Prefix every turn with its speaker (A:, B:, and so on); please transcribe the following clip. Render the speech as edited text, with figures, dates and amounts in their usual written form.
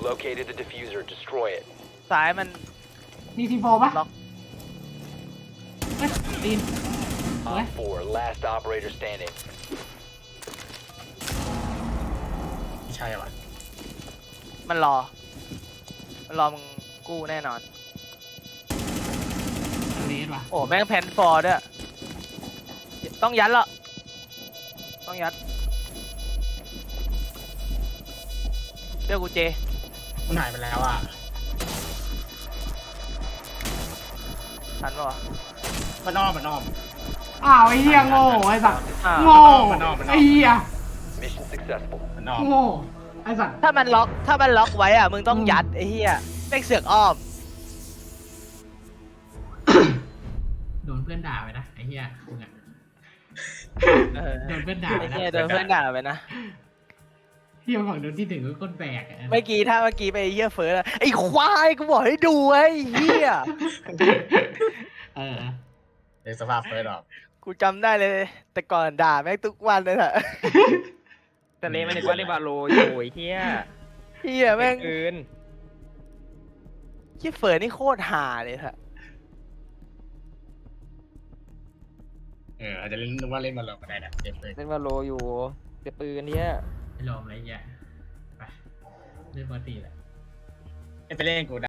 A: Located the diffuser. Destroy it.
B: ซ้ายมัน
C: มีทีโฟปะ
B: ล็อก
C: เฮ้ยตีน
A: Op 4. Last operator standing.
D: ไม่ใช่ว่ะ
B: มันรอมึงกู้แน่นอน
C: เลสว่ะ
B: โอ้แม่งแพนฟอร์ด้วยต้องยัดละต้องยัดเดี๋ยวกูเจ
D: มันหายไปแล้วอ่ะ
B: ทันปะวะ
D: มันอ้อม
C: อ้าวไอ้เหี้ยโง่ไอ้สัตว์
B: อ้าว
C: โง่
D: มันออก
C: ไอ้เหี้ย
A: Mission successful.
D: มันอ้อม
C: โง่ไอ้สัตว์
B: ถ้ามันล็อกไว้อ่ะมึงต้องยัดไอ้เหี้ยแม่งเสือกอ้อม
C: โดนเพื่อนด่าไปนะไอ้เหี้ยมึงอะ
B: เออ
C: โดนเพื่อนด่าไป
B: ไอ้
C: นะ
B: เหี้ยโดนเพื่อนด่าไปนะ
C: เหี้ยฝั่งโดนที่ถึงก็ก้นแบกอะ
B: เมื่อกี้ไปเหี้ยเฟิร์สอะไอ้ควายกูบอกให้ดูไอ้เหี้ย
C: เออ
D: ในสภาพเฟิร์สออก
B: กูจำได้เลย แต่ก่อนด่าแม่งทุกวันเลยอะ
E: แต่เลมันนึกว่าเลบาโลอยู่ไอ้เฮีย
B: เหี้ยแม่ง
E: อื่น
B: เหี้ยเฟิร์สนี่โคตรห่าเลยอะ
D: อาจจะเล่นนึกว่าเล่นมาลงก็ได้นะเล่นเลย
E: เลบาโลอยู่แต่ปืนเนี้ย
C: ไอ้ลมอะไรเงี้ยไปเล่นปกติแหละ
D: ไปเล่นกู